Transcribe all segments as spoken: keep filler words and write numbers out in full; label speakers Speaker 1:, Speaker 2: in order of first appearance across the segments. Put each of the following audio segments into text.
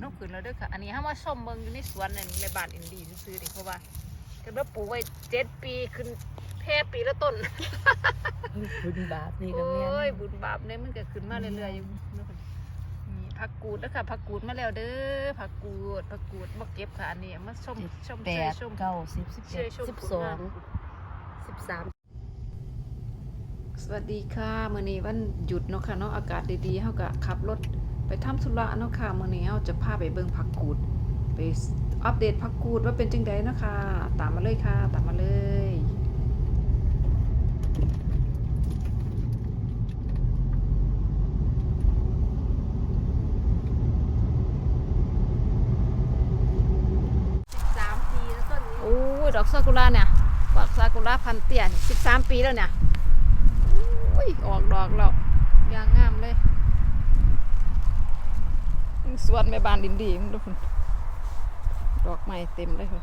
Speaker 1: น้ำขืนแล้วด้วยค่ะอันนี้ห้ามาชมเมืองอยู่ในสวนในในบ้านอินดีซื้อๆดิเพราะว่าคือว่าปลูกไว้เจ็ดปีขึ้นแค่ปีละต้น
Speaker 2: บุญบาปนี่ก็
Speaker 1: โอ้
Speaker 2: แม่น
Speaker 1: ยบุญบาปเนี่ยมันก็ขึ้นมาเรื่อยๆอยู่นี่ผักกูดนะคะผักกูดมาแล้วเด้อผักกูดผักกูดมาเก็บค่ะอันนี้มาชมชม
Speaker 2: แป
Speaker 1: เชย
Speaker 2: ด
Speaker 1: ชม
Speaker 2: เก้าสิบสิบ
Speaker 1: เช
Speaker 2: เอ็
Speaker 1: ย
Speaker 2: ด
Speaker 1: ชม
Speaker 2: สิบ
Speaker 1: ผล
Speaker 2: สอง
Speaker 1: งาน
Speaker 2: สิบสาม
Speaker 1: สวัสดีค่ะมื้อนี้วันหยุดเนาะค่ะเนาะอากาศดีๆเฮาก็ขับรถไปทำธุระเนาะค่ะมื้อนี้เฮาจะพาไปเบิ่งผักกูดไปอัปเดตผักกูดว่าเป็นจังไดเนาะค่ะตามมาเลยค่ะตามมาเลย
Speaker 2: สามปีแล้วต้นนี้
Speaker 1: โอ้ยดอกซากุระเนี่ยดอกซากุระพันเตี้ยนี่สิบสามปีแล้วเนี่ยโอ้ยออกดอกแล้วยางงามเลยสวนแม่บ้านดินดีมึงดูคุณดอกไม้เต็มเลยคุณ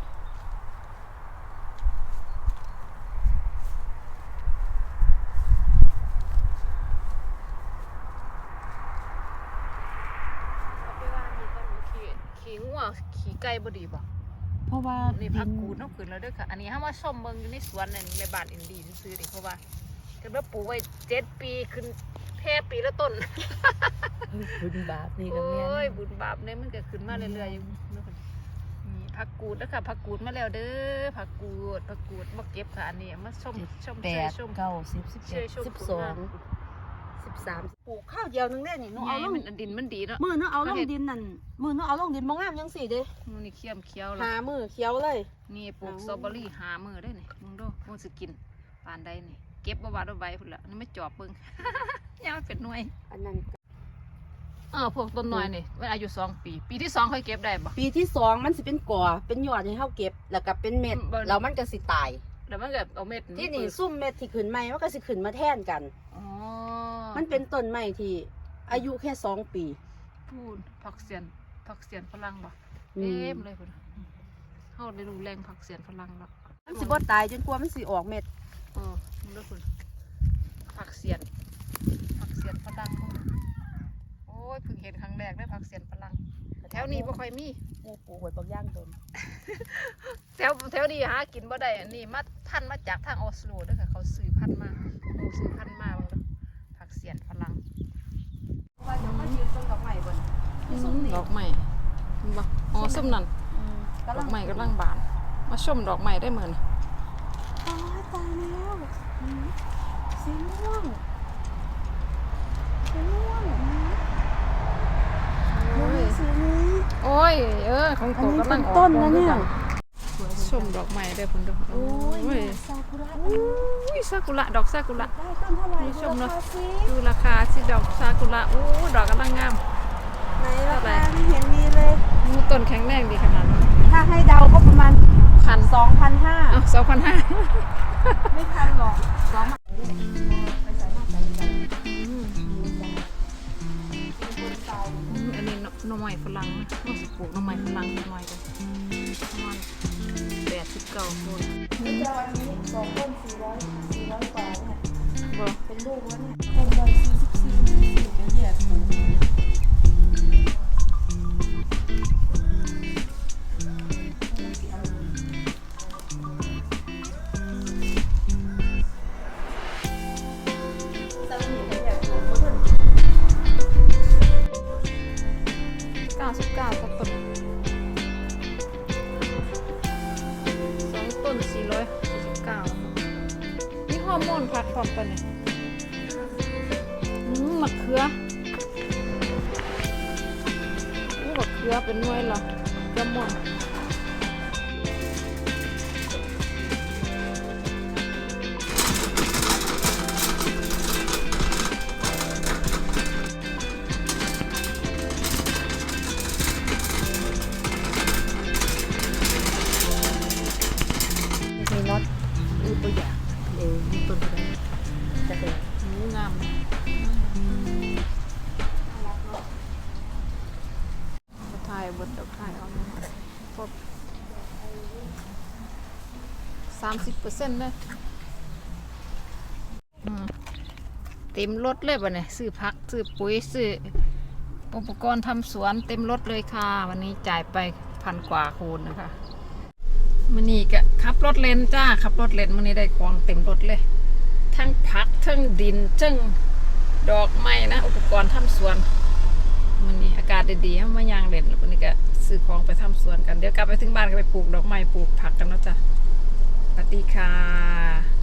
Speaker 1: ขี่ขี่งัวขี่ไก่บ่ดีบ่
Speaker 2: เพราะว่า
Speaker 1: นี่พักกูดน้ำขืนแล้วด้วยค่ะอันนี้ห้ามาชมเมืองอยู่ในสวนในในบ้านอินดีซื้อๆดิเพราะว่าคือว่าปลูกไว้เจ็ดปีขึ้นแค่ปีละต้น
Speaker 2: บุญบาปนี่
Speaker 1: โอ
Speaker 2: ก็แม่น้
Speaker 1: ยบุญบาปเนี่ยมันก็ขึ้นมาเรื่อยๆอยู่นี่ผักกูดนะคะผักกูดมาแล้วเด้อผักกูดผักกูดมาเก็บค่ะอันนี้มาชมชม
Speaker 2: แป
Speaker 1: เชย
Speaker 2: ด
Speaker 1: ชม
Speaker 2: เก้าสิบสิบ
Speaker 1: เช
Speaker 2: เอ็
Speaker 1: ย
Speaker 2: ด
Speaker 1: ชม
Speaker 2: สิบ
Speaker 1: ผ
Speaker 2: ส
Speaker 1: ล
Speaker 2: อง
Speaker 1: งาน
Speaker 2: สิบสามปลูกข้าวเดียวนึงได้นี่หนูเอาลง
Speaker 1: มันดินมันดีเนาะ
Speaker 2: มือหนูเอาลงดินนั่นมือหนูเอาลงดินมองงามยังสี่เด้
Speaker 1: มันนี่เขี้ยมเคี้ยวแล้
Speaker 2: หาว มือเขียวเลย
Speaker 1: นี่ปลูกสตรอเบอรี่หามือได้นี่มึงดูมึงสิกินปานใดนี่เก็บบ่บาดบ่ใบพุ่นละนี่ไม่จอบเบิ่ง ยาวเป็นหน่วย
Speaker 2: อันนั้น
Speaker 1: เออพวกต้นน้อยนี่มันอายุสองปี ปีที่สองค่อยเก็บได้บ่
Speaker 2: ปีที่สองมันสิเป็นก่อเป็นยอดให้เขาเก็บแล้วก็เป็นเม็ด
Speaker 1: เบิ่ง
Speaker 2: แล้วมันก็สิตาย
Speaker 1: แล้วมันก็เอาเม็ด
Speaker 2: ที่นี่ซุ่มเม็ดที่ขึ้นใหม่มันก็สิขึ้นมาแทนกัน
Speaker 1: อ๋อ
Speaker 2: มันเป็นต้นไม้ที่อายุแค่สองปี
Speaker 1: พูนผักเสียนผักเสียนฝรั่งบ่
Speaker 2: อื
Speaker 1: เต็
Speaker 2: ม
Speaker 1: มเลยพุ่นเฮาได้รู้แรงผักเสียนฝรั่งแล้ว
Speaker 2: มันสิบ่ตายจนกว่ามันสิออกเม็ด
Speaker 1: เออมึงดูพุ่นผักเสียนผักเสียนฝรั่งพุ่นโอ้ยเพิ่งเห็นครั้งแรกได้อผักเสียนฝรั่งแถวนี้บ่ค่อยมี
Speaker 2: ปลูกปลูกไว้บางอย่างต้น
Speaker 1: แถวแถวนี้หากินบ่ได้อันนี้มาพันธุ์มาจากทางออสโลเด้อค่ะเขาซื้อพันธุ์มาหมูซื้อพันธุ์มาเบิ่งเด้อผักเสียนฝรั่ง
Speaker 2: ว่าเดี๋ยวมันยืนต้นดอกไม้บน
Speaker 1: ดอกไม้บ่อ๋อส้มนั่นดอกไม้กำลังบานมาชมดอกไม้ได้เหมือน
Speaker 2: ตายตายแล้วสีม่วงสีม่วง
Speaker 1: โอ้ย
Speaker 2: สีนี้
Speaker 1: โอ้ยเออของ
Speaker 2: อัน
Speaker 1: โต
Speaker 2: นี้
Speaker 1: กำลั
Speaker 2: เป็
Speaker 1: ง
Speaker 2: น
Speaker 1: ออก
Speaker 2: ต้นนะเนี่ย
Speaker 1: ชมดอกไม้ได้พุ่นเด้อ
Speaker 2: โอ้ย
Speaker 1: โอ้ย
Speaker 2: ซากุระ
Speaker 1: อุ้ยซากุระดอกซากุระ
Speaker 2: ได้ต้นเท่าไหร่
Speaker 1: นี่ชมเนอะ
Speaker 2: ดูราคาสิ
Speaker 1: ดูราคาสิดอกซากุระโอ้ดอกกำลังงาม
Speaker 2: ไหนราคาไม่เห็นมีเลย
Speaker 1: มูต้นแข็งแรงดีขนาดนั้น
Speaker 2: ถ้าให้เดาก็ประมาณ
Speaker 1: พัน
Speaker 2: สองพันห้า
Speaker 1: อ้าวสองพันห้า
Speaker 2: ไม่พันหรอกสองพันไปใส่มาใส่ใส่
Speaker 1: อันนี้หน่อไม้ฝรั่งนะเราสิปลูกหน่อไม้ฝรั่งหน่อยกันประมาณแปดสิบเก้าต้น
Speaker 2: นี่จะวันนี้สองต้นสี่ร้อยสี่ร้อยกว่าเนี่ย
Speaker 1: บ่
Speaker 2: เป็นลูกแล้วเนี่ยต้นละสี่สิบสี่สิบเป็นแยกปลูกสามีเป็นแยกปลูกต้น
Speaker 1: เก้าสิบเก้ากับต้นสองต้นสี่ร้อยสี่สิบเก้านี่ฮอร์โมนพัดพร้อมกันเนี่ยอืมมะเขืออู้มะเขือเป็นหน่วยเหรอเขือม่วง
Speaker 2: มีน็อต
Speaker 1: อู้ตัวอย่าง
Speaker 2: เออมีต้นอะไรจะเป็น
Speaker 1: อู้งามเลยจะถ่ายบทดอกถ่ายเอาพบสามสิบเปอร์เซ็นต์เลยอืมเต็มรถเลยป่ะเนี่ยซื้อผักซื้อปุ๋ยซื้ออุปกรณ์ทำสวนเต็มรถเลยค่ะ วันนี้จ่ายไปพันกว่าคูณนะคะมันนี่ก็ขับรถเลนจ้าขับรถเลนมันนี้ได้ของเต็มรถเลย ทั้งผักทั้งดินทั้งดอกไม้นะอุปกรณ์ทำสวนมันนี่อากาศดีๆมายางเล่นแล้ววันนี้ก็ซื้อของไปทำสวนกันเดี๋ยวกลับไปถึงบ้านก็ไปปลูกดอกไม้ปลูกผักกันเนาะจ้ะสวัสดีค่ะ